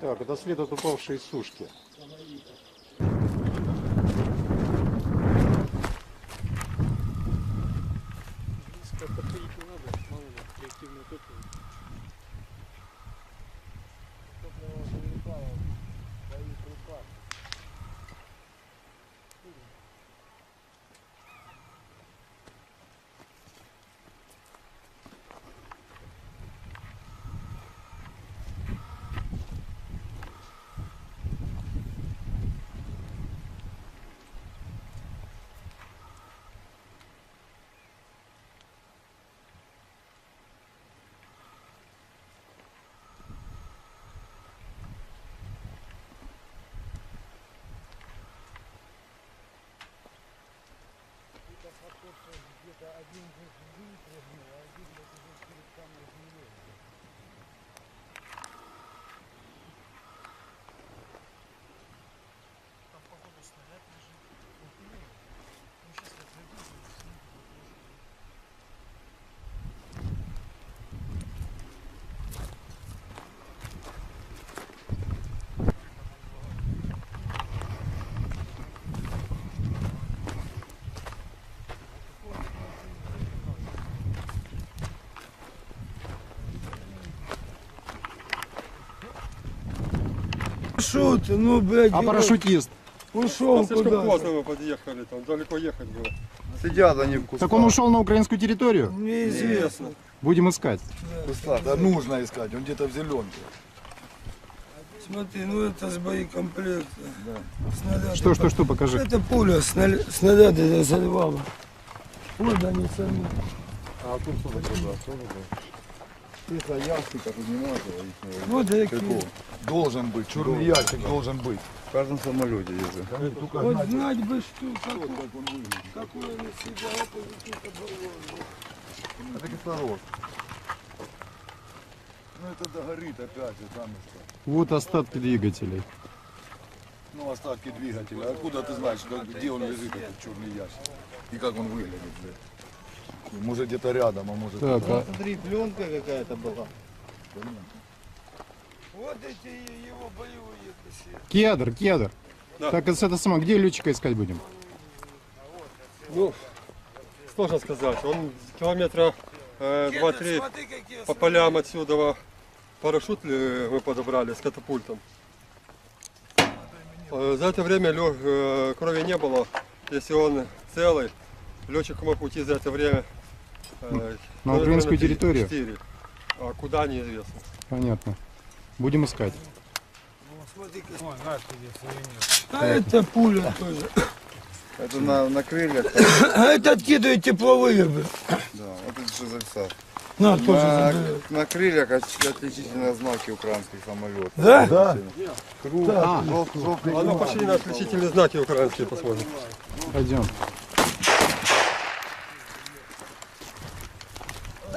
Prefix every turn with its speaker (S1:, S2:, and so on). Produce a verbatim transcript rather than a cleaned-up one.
S1: Так, это след от упавшей сушки.
S2: Близко подходить не надо, мало ли, реактивное топливо.
S3: Топливо залетало, боеприпас. Где-то один выпрыгнул, а один уже перед самой землей.
S2: Там, походу, снаряд лежит. Ну, сейчас я пройду, сниму.
S3: Шо ты, ну, блядь,
S1: А парашютист?
S3: ушел
S4: Слишком
S3: куда-то.
S4: поздно мы подъехали, там далеко ехать было.
S5: Сидят они в кустах.
S1: Так он ушел на украинскую территорию?
S3: Неизвестно.
S1: Будем искать.
S5: В кустах. Да нужно искать, он где-то в зеленке.
S3: Смотри, ну это с боекомплекта.
S5: Да.
S3: Снаряды.
S1: Что, что, что, покажи.
S3: Это пуля, сна- снаряды заливала. Вот они сами.
S5: А тут что такое? Тихо, ящика тут не надо.
S3: Вот такие.
S5: Должен быть, черный ящик должен быть. В каждом самолете есть.
S3: Вот знать бы, что, какой, какой он из себя, это какие-то баллоны.
S5: Это кислород. Ну это догорит опять, и там и что.
S1: Вот остатки двигателей.
S5: Ну остатки двигателя. Откуда ты знаешь, как- где он лежит, этот черный ящик? И как он выглядит, блядь? Может где-то рядом, а может...
S1: Так, а
S6: Смотри, пленка какая-то была.
S3: Вот эти его боевые кассеты.
S1: кедр, кедр.
S4: Да.
S1: Так, это, это само, где летчика искать будем?
S4: Ну, сложно сказать. Он километра э, два-три
S3: Смотри, какие
S4: по полям отсюда парашют ли мы подобрали с катапультом. Э, За это время лё- э, крови не было. Если он целый, летчик мог уйти за это время э,
S1: На
S4: километра
S1: украинскую
S4: три-
S1: территорию?
S4: четыре. А куда, неизвестно.
S1: Понятно. Будем искать.
S3: Смотри, а это пуля тоже.
S5: Это на, на крыльях,
S3: А это откидывает тепловые бы.
S5: да, вот это же зависал.
S3: На, тоже
S5: На,
S3: заберет.
S5: на крыльях оч- отличительные знаки украинских самолетов.
S3: Да?
S5: Да. Круг,
S1: А.
S5: жёл- жёлтый
S4: А ну
S5: знак.
S4: пошли на отличительные знаки украинские посмотрим.
S1: Пойдем.